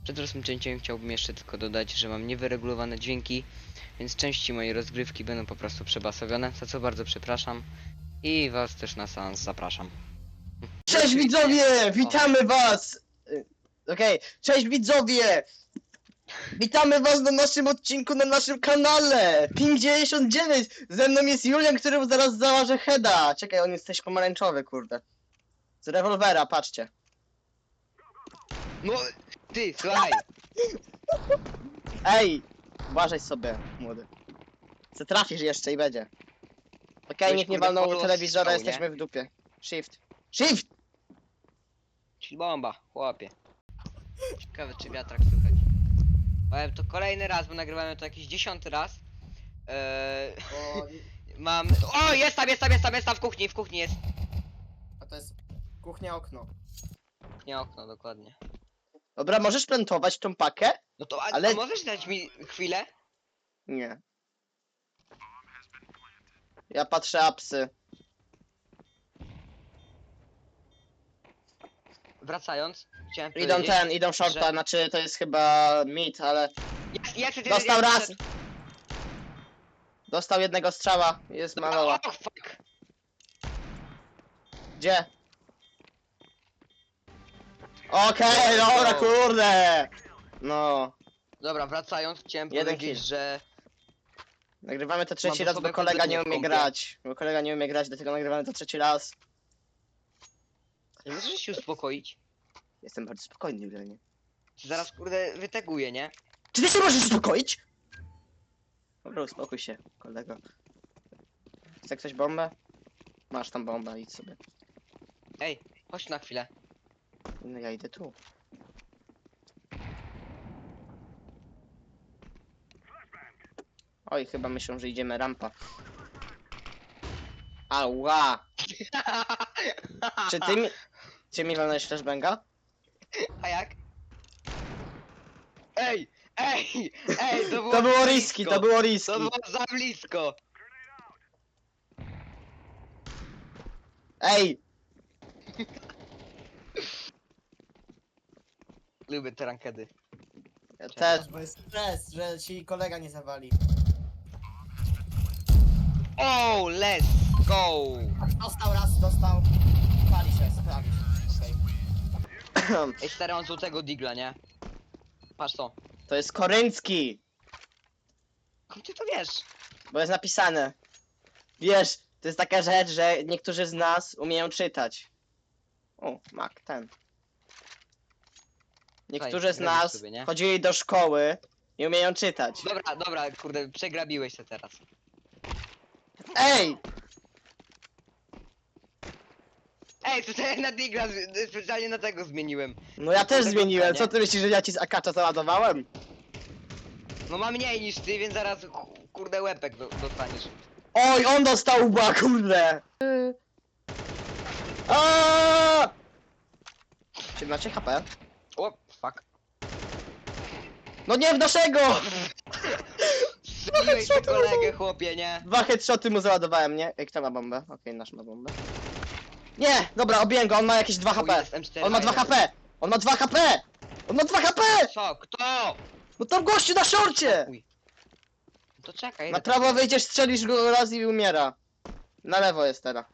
Przed rozpoczęciem chciałbym jeszcze tylko dodać, że mam niewyregulowane dźwięki, więc części mojej rozgrywki będą po prostu przebasowione, za co bardzo przepraszam i was też na seans zapraszam. Cześć widzowie! Witamy was! Okej, cześć widzowie! Witamy was na naszym odcinku, na naszym kanale! Ping 99! Ze mną jest Julian, który zaraz założy heada. Czekaj, on jest też pomarańczowy, kurde. Z rewolwera, patrzcie. No, ty, słuchaj! Ej! Uważaj sobie, młody. Co trafisz jeszcze i będzie. Okej, Weź, nikt nie kurde, walnął follow telewizora, strzał, nie? jesteśmy w dupie. Shift. Shift! Czyli bomba, chłopie. Ciekawe czy wiatrak słychać. Powiem to kolejny raz, bo nagrywamy to jakiś 10. raz. Mam... O, jest tam, w kuchni jest. A to jest kuchnia, okno. Nie okno, dokładnie. Dobra, możesz plantować tą pakę? No to, Ale- a możesz dać mi chwilę? Nie. Ja patrzę apsy. Wracając, chciałem Idą powiedzieć, idą shorta, że- znaczy to jest chyba mid, ale... Ja chcę Dostał raz! Dostał jednego strzała, jest maloła. O, fuck! Gdzie? Okej, dobra, kurde! No. Dobra, wracając, chciałem Jeden powiedzieć, kill. że... Nagrywamy to trzeci Mam raz, bo osobę kolega nie kompletnie umie w kąpie. grać. Bo kolega nie umie grać, dlatego nagrywamy to trzeci raz. Nie możesz się uspokoić? Jestem bardzo spokojny, Julianie. Zaraz, kurde, wyteguję, nie? Czy ty się możesz uspokoić? Dobra, uspokój się, kolego. Chce ktoś bombę? Masz tam bombę, idź sobie. Ej, chodź na chwilę. No ja idę tu. Oj, chyba myślą, że idziemy rampa. Ała! Czy ty mi... Czy mi walnąłeś flashbanga? A jak? Ej! Ej! Ej! To było, To było za riski, blisko. to było riski. To było za blisko! Ej! Lubię te rankedy. Ja też. Bo jest stres, że ci kolega nie zawali. Oh, let's go! Dostał raz, dostał. Pali się, sprawi się. Okej. Ej, stary, on złotego digla, nie? Patrz to. To jest koryncki! Skąd ty to wiesz? Bo jest napisane. Wiesz, to jest taka rzecz, że niektórzy z nas umieją czytać. O, mak, ten. Niektórzy z grabisz nas sobie, nie? chodzili do szkoły i umieją czytać. Dobra, dobra, kurde, przegrabiłeś się teraz. Ej! Ej, to ja na digla specjalnie na tego zmieniłem. No ja też Tego zmieniłem, nie? co ty myślisz, że ja ci z akacza załadowałem? No ma mniej niż ty, więc zaraz kurde łepek dostaniesz. Oj, on dostał łba, kurde! Aaaa! 17 HP. O, fuck. No nie w naszego! Strzeliłeś headshoty tę kolegę, chłopie, nie? 2 headshoty mu załadowałem, nie? Ej, kto ma bombę? Okej, nasz ma bombę. Nie! Dobra, obiłem go, on ma jakieś 2 O, HP. jest M4 On ma 2 Iron. HP! On ma 2 HP! On ma 2 HP! Co? Kto? No tam gościu na szorcie! Uj. No to czekaj. Na idę prawo tam. wyjdziesz, strzelisz go raz i umiera. Na lewo jest teraz.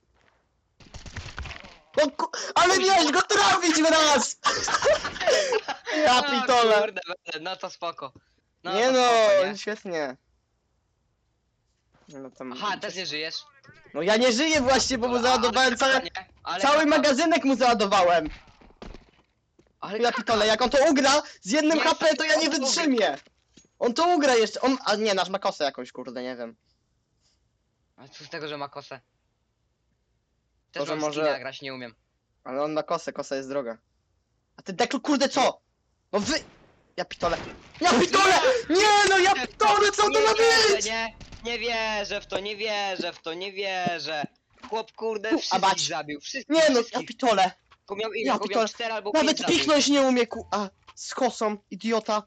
Ale miałeś go trafić w raz! Ja O, pitole! Kurde, no to spoko. No Nie to no, spoko, nie? świetnie. No, tam... Aha, też nie żyjesz? No ja nie żyję właśnie, bo mu załadowałem cały... nie? Ale Cały kaka. magazynek mu załadowałem! Ale Ja kaka. pitole, jak on to ugra z jednym Nie, HP, to ja on nie to ugra. wytrzymię! On to ugra jeszcze, a nie, nasz ma kosę jakąś, kurde, nie wiem. A co z tego, że ma kosę? Też Może- mam może- skina, grać nie umiem. Ale on ma kosę, kosa jest droga. A ty Deklu, kurde, co? No wy... Ja pitole. Ja pitole! Nie no, ja pitole, co to Nie ma wierzę, być? nie wierzę w to, nie wierzę w to, nie wierzę. Chłop, kurde, A wszystkich bać. zabił, wszystkich, Nie no, ja wszystkich. pitole. Tylko miał ile? Ja Tylko pitole. miał 4 albo 5 Nawet zabił. piknąć nie umie, a z kosą, idiota.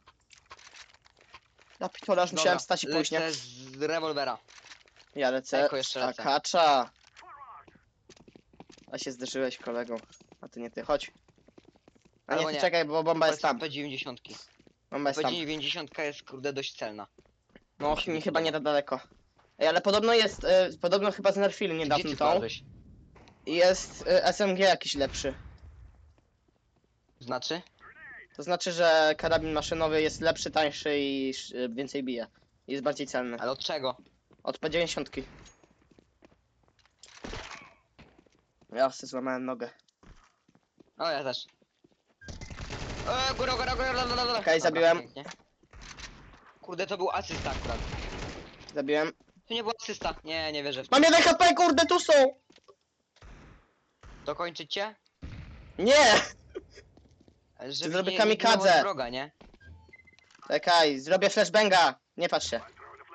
Ja pitole, aż musiałem wstać i pójść, nie? lecę z rewolwera. Ja lecę Eko jeszcze z lecę. akacza. A się zderzyłeś, kolego. A ty nie ty, chodź. A nie, Albo ty nie. czekaj, bo bomba jest tam. P90. Bomba jest tam. P90 jest kurde dość celna. No, mi się mi nie chyba nie podoba. da daleko. Ej, ale podobno jest, podobno chyba znerfili Gdzie niedawno ty tą. wlazłeś? I jest SMG jakiś lepszy. Znaczy? To znaczy, że karabin maszynowy jest lepszy, tańszy i więcej bije. Jest bardziej celny. Ale od czego? Od P90. Ja sobie złamałem nogę. O, ja też. Góra. Okej, zabiłem. Pięknie. Kurde, to był asysta akurat. Zabiłem. To nie był asysta. Nie, nie wierzę w to. Mam 1 HP, kurde, tu są! Dokończyć cię? Nie! Żeby zrobię nie kamikadze. ginął od wroga, nie? Czekaj, zrobię flashbanga. Nie patrz się.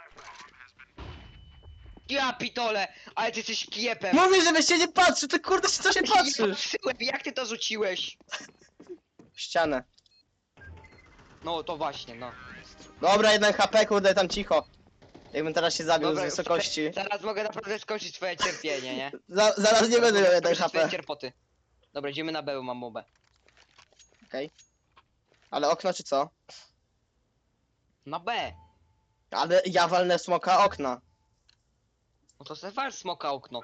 Ja pitole! Ale ty jesteś kiepem! Mówię, żebyś się nie patrzył, ty kurde, co się Nie patrzysz? patrzyłem, jak ty to rzuciłeś? W ścianę. No to właśnie, no. Dobra, 1 HP, kurde, tam cicho. Jakbym teraz się zabił z wysokości. Zaraz mogę naprawdę skończyć twoje cierpienie, nie? Zaraz nie będę miał 1 Skończyć twoje HP. cierpoty. Dobra, idziemy na B, mam mobę. Okej. Ale okno czy co? Na B! Ale ja walnę smoka okna. No to se wal smoka okno.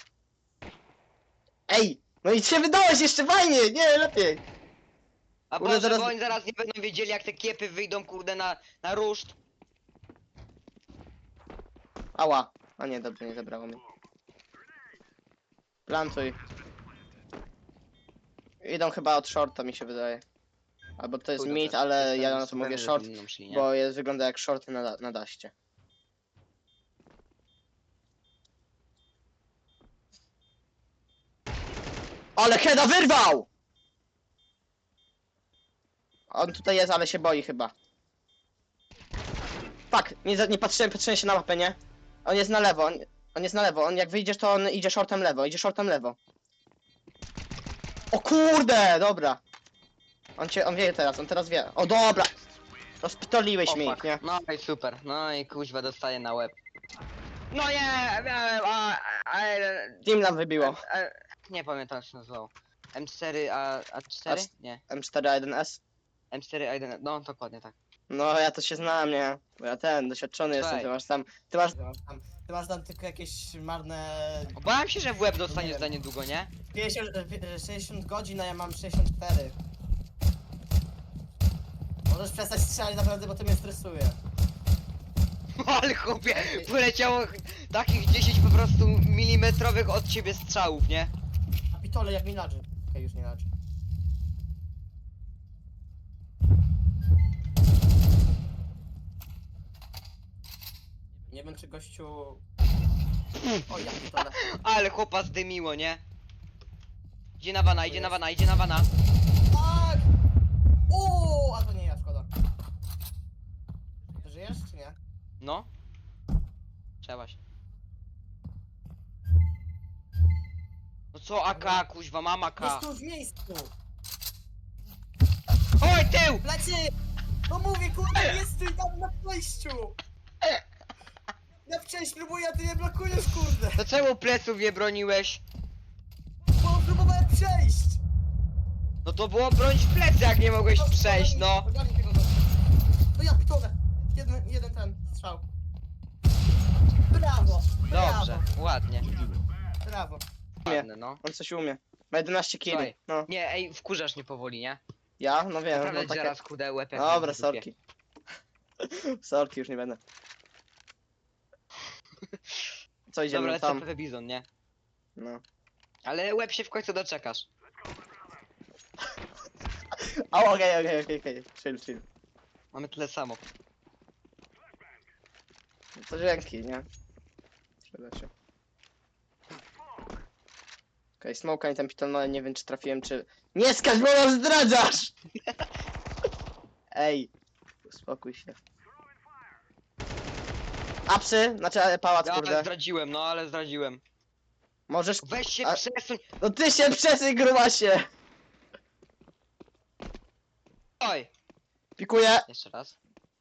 Ej! No i się wydałeś jeszcze fajnie! Nie, lepiej! A Kurde, Boże, zaraz- bo oni zaraz nie będą wiedzieli jak te kiepy wyjdą kurde na ruszt. Ała. A nie, dobrze, nie zabrało mi. Plantuj. Idą chyba od shorta, mi się wydaje. Albo to jest Pójdą mid, też. ale Jestem ja na to pewny, mówię że short, będą szli, nie? bo jest, wygląda jak short na daście. Ale Heda wyrwał! On tutaj jest, ale się boi chyba. Fuck, nie patrzyłem się na mapę, nie? On jest na lewo, on jest na lewo, on jak wyjdziesz to on idzie shortem lewo, idzie shortem lewo. O kurde, dobra. On wie teraz, on teraz wie. O dobra! Rozpitoliłeś mi, fuck. nie? No i super, no i kuźwa dostaje na łeb. No nie, miałem, Team nam wybiło. nie pamiętam jak się nazywało. M4 A4? Nie. M4A1S. M4 A1, no dokładnie tak. No ja to się znam, nie? Bo ja doświadczony jestem, Słuchaj. ty masz tam tylko jakieś marne... Obawiam się, że w łeb dostaniesz za niedługo, nie? 60 godzin, a ja mam 64. Możesz przestać strzelać naprawdę, bo to mnie stresuje. Ale chłopie, poleciało takich 10 po prostu milimetrowych od ciebie strzałów, nie? A pitole jak mi ladży. Okej, już nie ladży. Nie wiem czy gościu... O ja pitole. Ale chłopa zdymiło, nie? Idzie na wana, idzie na wana, idzie na wana. Tak! A to nie ja, szkoda. Ty żyjesz czy nie? No. Trzeba się. No co AK, kuźwa, mam AK. Jest tu w miejscu! Oj, tył! Plecy! No mówię, kurde, jest tu i tam na przejściu! Ja przejść próbuję, a ty mnie blokujesz, kurde! To czemu pleców nie broniłeś? Bo próbowałem przejść! No to było bronić plecy, jak nie mogłeś przejść, no. Ogarnij tego gościa. No ja pitole! Jeden ten strzał. Brawo! Dobrze, ładnie. Brawo! Ładne, no. On coś umie. Ma 11 killi. Słuchaj. No. Nie, ej, wkurzasz mnie powoli, nie? Ja? No wiem, Naprawdę no takie... zaraz kudę łeb jak Dobra, w dupie. sorki. Sorki, już nie będę. Co idziemy Dobra, tam? CPP Bizon, nie? No. Ale łeb się w końcu doczekasz. O, okej. Chill. Mamy tyle samo. To dzięki, nie? Przyda się. Okej, smoka i tam pitol, ale nie wiem czy trafiłem, czy... Nie skacz, bo nas zdradzasz! Ej, uspokój się. Apsy, znaczy pałac, Ja ale kurde. zdradziłem, no ale zdradziłem. Możesz... Weź się A- przesuń. No ty się przesyj, grubasie! Oj! Pikuję. Jeszcze raz.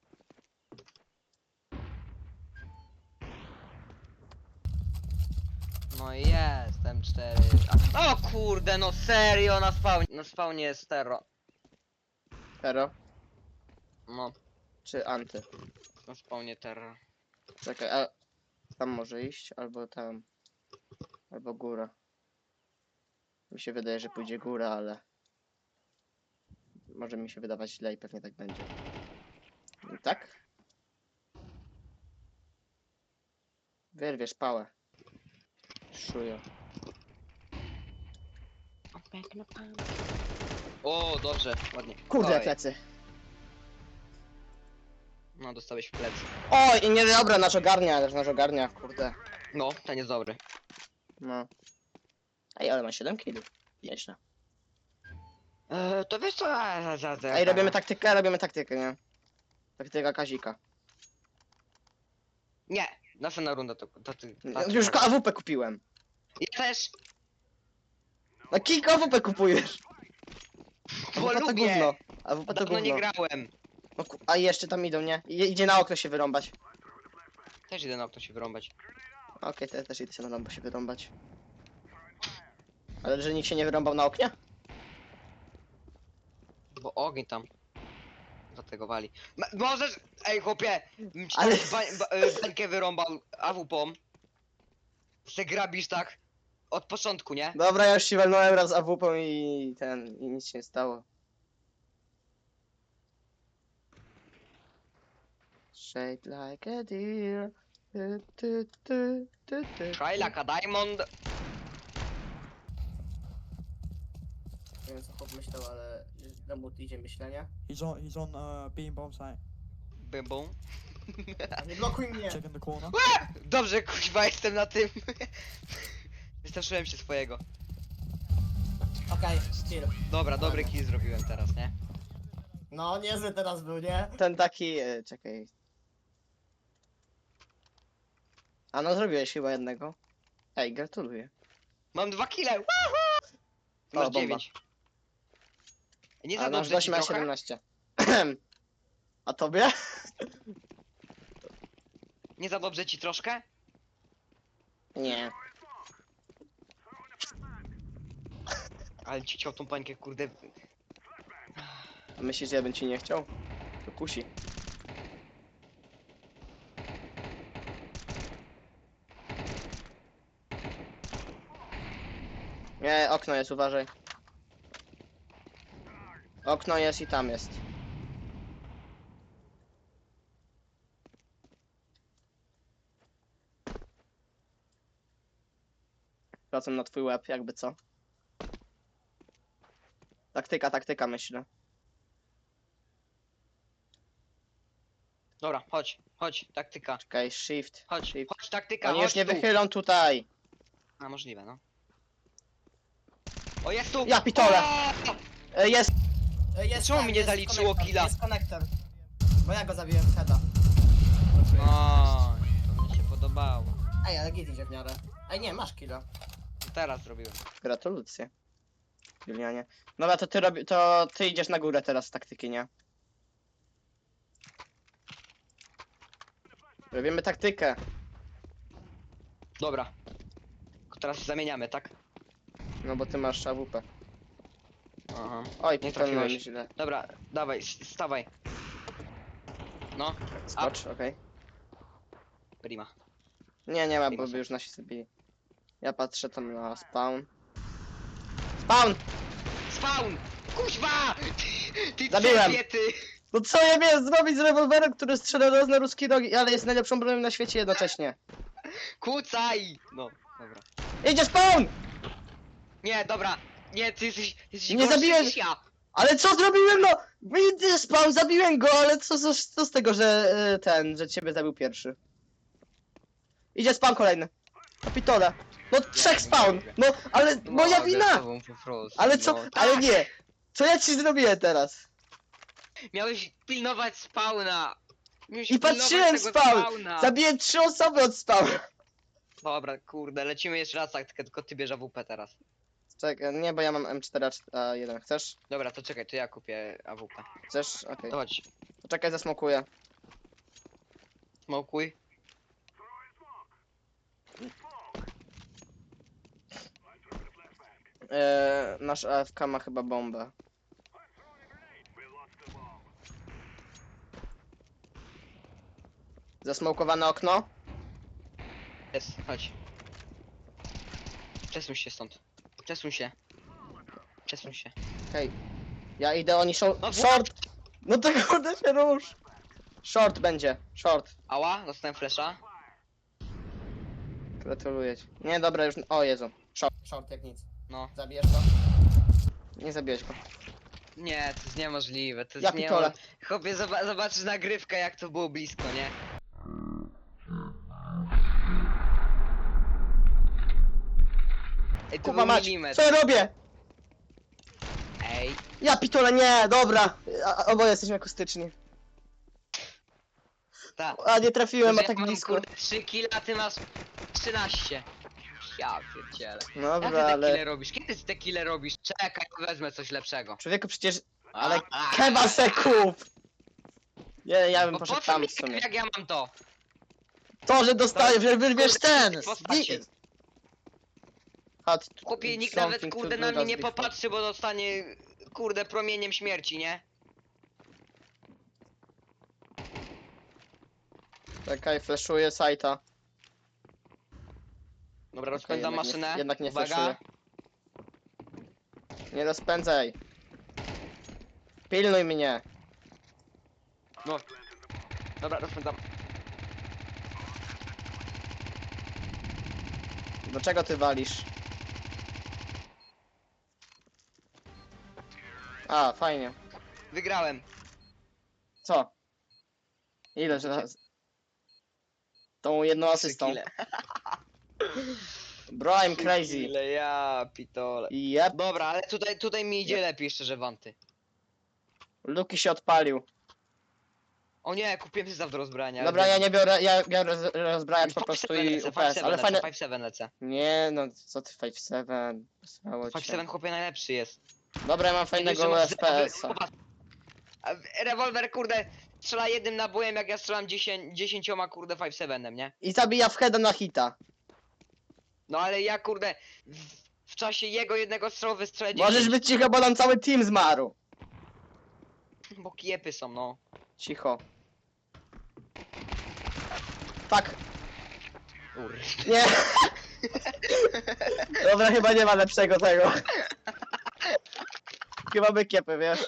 No i jest, M4. O kurde, no serio, na spawnie jest terro. Hero? No, Czy anty? na spawnie terror. Czekaj, a tam może iść, albo tam. Albo góra. Mi się wydaje, że pójdzie góra, ale... Może mi się wydawać źle i pewnie tak będzie. Tak? Wyrwiesz pałę. Szujo. O, dobrze, ładnie. Kurde, Oj, plecy. no, dostałeś w plecy. Oj, i nie dobra, nasz ogarnia, kurde. No, ten jest dobry. No. Ej, ale ma 7 kg. Nieźle. To wiesz co? Ej, robimy taktykę, nie? Taktyka Kazika. Nie, następna runda to ty. Już AWP kupiłem. Ja też, No kilka AWP kupujesz. bo AWP to lubię. gówno. AWP to Dawno nie gówno. grałem. No, a jeszcze tam idą, nie? Idzie na okno się wyrąbać. Też idę na okno się wyrąbać. Okej, to ja też idę się na lampę się wyrąbać. Ale że nikt się nie wyrąbał na oknie? Bo ogień tam. Dlatego wali. Możesz. Ej, chłopie! Ci Ale- bańkę wyrąbał AWP-om. Se grabisz tak. Od początku, nie? Dobra, ja już się walnąłem raz AWP i nic się nie stało. Shaped like a deer. Try like a diamond. Nie wiem co chłop myślał, ale do mu idzie myślenie. He's on beam bomb site. Bym bum. Nie blokuj mnie! Check in the corner. Dobrze, kuźwa, jestem na tym. Wystraszyłem się swojego. Okej, chill. Dobra, dobry kill zrobiłem teraz, nie? No, niezły teraz był, nie? Ten taki, czekaj. A no zrobiłeś chyba jednego. Ej, gratuluję. Mam 2 kile. O, Masz bomba. 9. Nie A za nasz dobrze gość ci ma trochę? 17. A tobie? Nie za dobrze ci troszkę? Nie. Ale ci chciał tą pańkę, kurde. A myślisz, że ja bym ci nie chciał? To kusi. Nie, okno jest, uważaj. Okno jest i tam jest. Wracam na twój łeb, jakby co. Taktyka, myślę. Dobra, chodź, taktyka. Czekaj, shift. Chodź, shift. chodź, taktyka, Oni już chodź nie tu. wychylą tutaj. A, możliwe, no. O, jest tu! Ja pitole! O! Jest! Jest Czemu ten, mi nie jest zaliczyło konektor, killa? Jest konektor. Bo ja go zabiłem z heada. No, to mi się podobało. Ej, ale git idzie w miarę. Ej, nie, masz killa. Teraz zrobiłem. Gratulacje. Julianie. Dobra, to ty idziesz na górę teraz z taktyki, nie? Robimy taktykę. Dobra. Teraz zamieniamy, tak? No bo ty masz AWP. Aha. Oj, Nie piknąłem trafiłeś. źle. Dobra, dawaj, stawaj. No, Skocz, okej. prima. Nie ma, bo by już nasi zabili. Ja patrzę tam na spawn. Spawn! Spawn! Kuźwa! Ty Zabiłem. ty! No co ja miałem zrobić z rewolwerem, który strzela raz na ruski rogi, ale jest najlepszą bronią na świecie jednocześnie. Kucaj! No, dobra. Idzie spawn! Nie, dobra. Nie, ty jesteś Nie gorszy zabiłem- niż ja. Ale co zrobiłem, no? Idzie spawn, zabiłem go, ale co z tego, że że ciebie zabił pierwszy? Idzie spawn kolejny. Kapitole. No trzech spawn! No, ale moja Mogę wina! z tobą po prostu, Ale co? no. Ale Tak! nie! Co ja ci zrobiłem teraz? Miałeś pilnować spawna. Miałeś I pilnować patrzyłem tego spawn. spawna. Zabiłem 3 osoby od spawna. Dobra, kurde, lecimy jeszcze raz tak, tylko ty bierz AWP teraz. Czekaj, nie, bo ja mam M4A1. Chcesz? Dobra, to czekaj, to ja kupię AWP. Chcesz? Okej. To chodź, Poczekaj, zasmokuję. smokuj. Nasz AFK ma chyba bombę. Zasmokowane okno. Jest, chodź. Przesuń się stąd. Przesuń się. Przesuń się. Okej. Ja idę, oni są... No Short! No to kurde się rusz! Short będzie, short. Ała, dostałem flesza. Gratuluję ci. Nie, dobra, już... O Jezu. Short. Short jak nic. No. Zabijesz to? Nie zabiłeś go. Nie, to jest niemożliwe, to Ja jest pitole. Chłopie, zobaczysz nagrywkę, jak to było blisko, nie? Ej, to Kuba był mać, milimetr. co ja robię? Ej, Ja pitole, nie, dobra. Oboje jesteśmy akustyczni. ta. A nie trafiłem, a Ja tak mam, blisko. kurde, 3 kile, a ty masz 13. Ja pierdzielę. Jak ty Dobra, te ale... kile robisz? Kiedy ty te kile robisz? Czekaj, wezmę coś lepszego. Człowieku, przecież... Ale A, keba se kup! Nie, ja bym Bo po poszedł co tam mi w sumie. jak ja mam to? To, że dostajesz, że wyrwiesz kurde, ten! postaci. Hot, Chłopie, nikt nawet something kurde to na do mnie nie before. popatrzy, bo dostanie kurde promieniem śmierci, nie? Czekaj, flashuję sajta. Dobra, rozpędzam jednak maszynę. Nie, jednak nie Uwaga. flashuję. Nie rozpędzaj. Pilnuj mnie. No. Dobra, rozpędzam. Do czego ty walisz? A, fajnie. Wygrałem. Co? Ile że raz? Tą jedną 3 asystą. kile. Bro, I'm crazy. Ile ja pitole. Yep. Dobra, ale tutaj mi idzie lepiej, szczerze wanty. Luki się odpalił. O nie, kupiłem sobie do rozbrania. Dobra, ja nie biorę, ja biorę rozbrajacz po prostu i UPS, ale fajne... 5-7 lecę. Nie, no co ty 5-7? Posłało cię. 5-7 chłopie najlepszy jest. Dobra, ja mam fajnego FPS-a. Rewolwer kurde strzela jednym nabojem, jak ja strzelam 10 kurde 5-7, nie? I zabija w heada na hita. No ale ja kurde w czasie jego jednego strzału wystrzelę 10. Możesz być cicho, bo nam cały team zmarł. Bo kiepy są, no. Cicho. Fuck. Ur. Nie. Dobra, chyba nie ma lepszego tego. Chyba by kiepy, wiesz?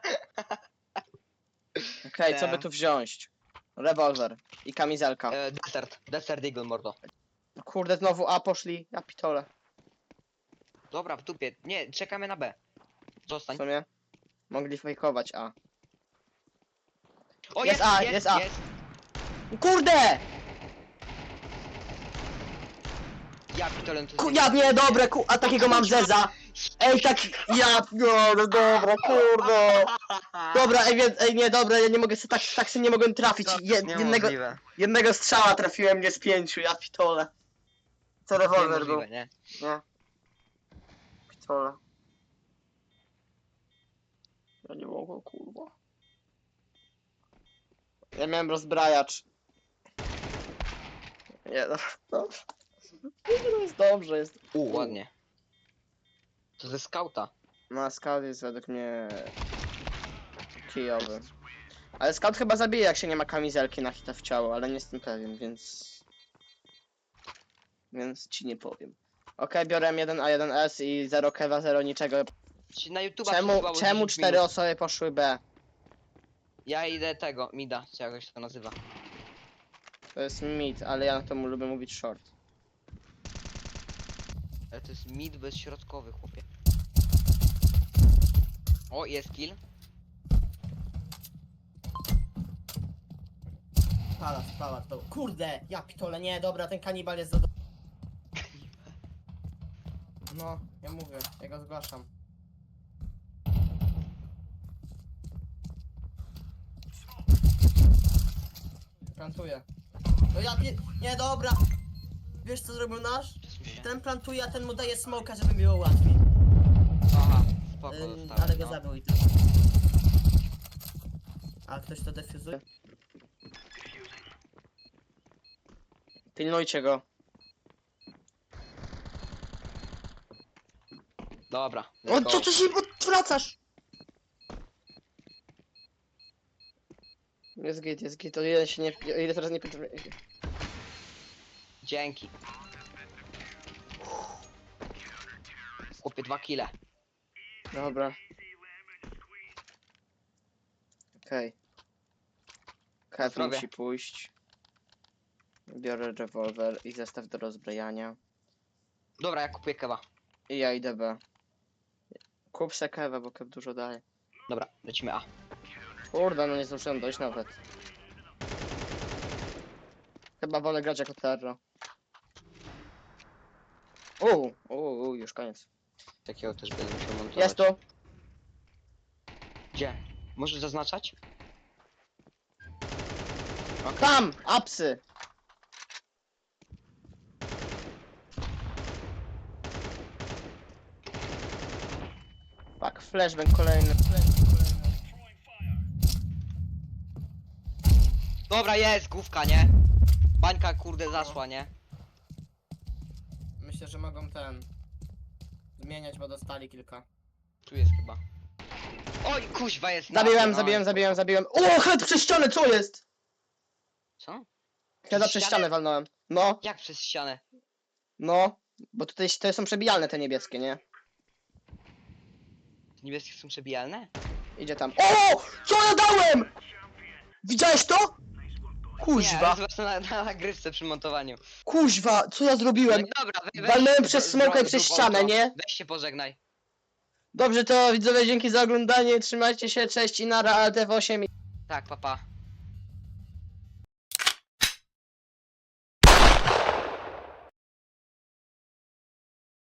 Okej, co by tu wziąć? Rewolwer i kamizelka. Desert Eagle, mordo. Kurde, znowu A poszli. Ja pitole. Dobra, w dupie. Nie, czekamy na B. W Zostań. sumie mogli fejkować A. O, Jest A, jest A. Kurde! Ja pitolem to Ja nie, dobre, a takiego mam zeza. Ej, tak, no dobra, kurde. Dobra, ej, nie, dobra, ja nie mogę, tak się nie mogłem trafić. Jednego strzała trafiłem, nie z 5, ja pitole. Co rewolwer był? nie? Nie. Pitole. Ja nie mogę, kurwa. Ja miałem rozbrajacz. Nie, dobrze. Jest dobrze, jest. Ładnie. To ze skauta. No, scout jest według mnie kijowy. Ale scout chyba zabije, jak się nie ma kamizelki na hita w ciało, ale nie jestem pewien, więc... Więc ci nie powiem. Okej, biorę M1A1S i 0 kewa, 0 niczego. Ci na YouTube Czemu 4 osoby poszły B? Ja idę tego, mida, czy jakoś to nazywa. To jest mid, ale ja na to lubię mówić short. Ale to jest mid bezśrodkowy, chłopie. O, jest kill. Palas, to. Kurde, ja pitole, nie, dobra, ten kanibal jest za... No, ja mówię, ja go zgłaszam. Plantuję. No ja nie, dobra. Wiesz co zrobił nasz? Przesuń się. Ten plantuje, a ten mu daje smoka, żeby było łatwiej. Aha, spoko dostałem, Ale go no. zabił i tak. A ktoś to defuzuje? Pilnujcie go. Dobra. O, let's go. co ty się odwracasz? Jest git, o ile się nie... O ile teraz nie... Dzięki. Chłopie 2 kile. Dobra. Okej. Kev Zdrowie. musi pójść. Biorę rewolwer i zestaw do rozbrajania. Dobra, ja kupuję kewa. I ja idę B. Kup se Keva, bo Kev dużo daje. Dobra, lecimy A. Kurde, no nie zdążyłem dojść nawet. Chyba wolę grać jako terro. Już koniec. Takiego też będę musiał montować. Jest tu! Gdzie? Możesz zaznaczać? Tam! Apsy! Tak, flashbang kolejny. Dobra, jest, główka, nie? Bańka, kurde, zaszła, nie? Myślę, że mogą zmieniać, bo dostali kilka. Tu jest chyba. Oj, kuźwa jest na Zabiłem. O, head przez ścianę, co jest? Co? Heada przez ścianę walnąłem. No, Jak przez ścianę? no. Bo tutaj te są przebijalne te niebieskie, nie? Te niebieskie są przebijalne? Idzie tam. O! Co ja dałem? Widziałeś to? Nie, Kuźwa, ale zobacz na nagrywce przy montowaniu. kuźwa, co ja No zrobiłem? i dobra, Walnąłem przez smoka i przez ścianę, nie? Weź się pożegnaj. Dobrze, to widzowie, dzięki za oglądanie, trzymajcie się, cześć i nara, ALTF8. Tak, papa.